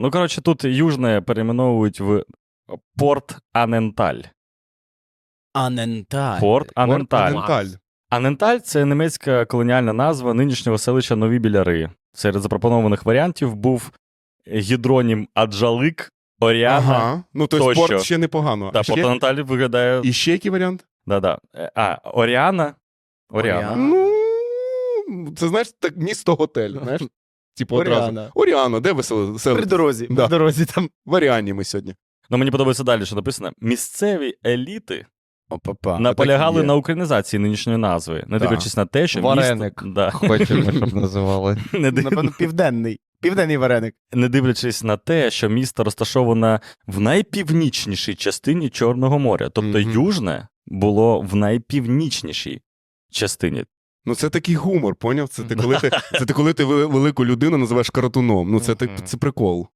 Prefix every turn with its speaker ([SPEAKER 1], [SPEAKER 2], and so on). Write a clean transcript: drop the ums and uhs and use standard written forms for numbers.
[SPEAKER 1] Ну, коротше, тут Южне перейменовують в Порт Аненталь.
[SPEAKER 2] Аненталь.
[SPEAKER 1] Порт Аненталь.
[SPEAKER 3] Аненталь.
[SPEAKER 1] Аненталь – це німецька колоніальна назва нинішнього селища Нові Біляри. Серед запропонованих варіантів був гідронім Аджалик, Оріана.
[SPEAKER 3] Ага. Ну, то
[SPEAKER 1] тощо.
[SPEAKER 3] спорт ще непогано.
[SPEAKER 1] Да,
[SPEAKER 3] А ще...
[SPEAKER 1] Порт Аненталь виглядає...
[SPEAKER 3] І ще який варіант?
[SPEAKER 1] Да-да. Оріана. Оріана.
[SPEAKER 3] Ну, це, знаєш, так місто-готель, знаєш? Типу одразу.
[SPEAKER 2] Оріана.
[SPEAKER 3] Оріано, де ви
[SPEAKER 2] При дорозі.
[SPEAKER 3] Да.
[SPEAKER 2] При дорозі там.
[SPEAKER 3] В Оріані ми сьогодні.
[SPEAKER 1] Ну, мені подобається далі, що написано. Місцеві еліти
[SPEAKER 2] Опа-па.
[SPEAKER 1] наполягали
[SPEAKER 3] так і є.
[SPEAKER 1] на українізації нинішньої назви, не
[SPEAKER 3] Да.
[SPEAKER 1] дивлячись на те, що
[SPEAKER 4] Вареник.
[SPEAKER 1] місто... Да.
[SPEAKER 4] Хочемо, щоб називали.
[SPEAKER 2] Напевно, південний. Південний вареник.
[SPEAKER 1] Не дивлячись на те, що місто розташоване в найпівнічнішій частині Чорного моря. Тобто Южне було в найпівнічнішій частині.
[SPEAKER 3] Ну, це такий гумор, поняв? Це ти коли ти велику людину називаєш каратуном. Ну, це прикол.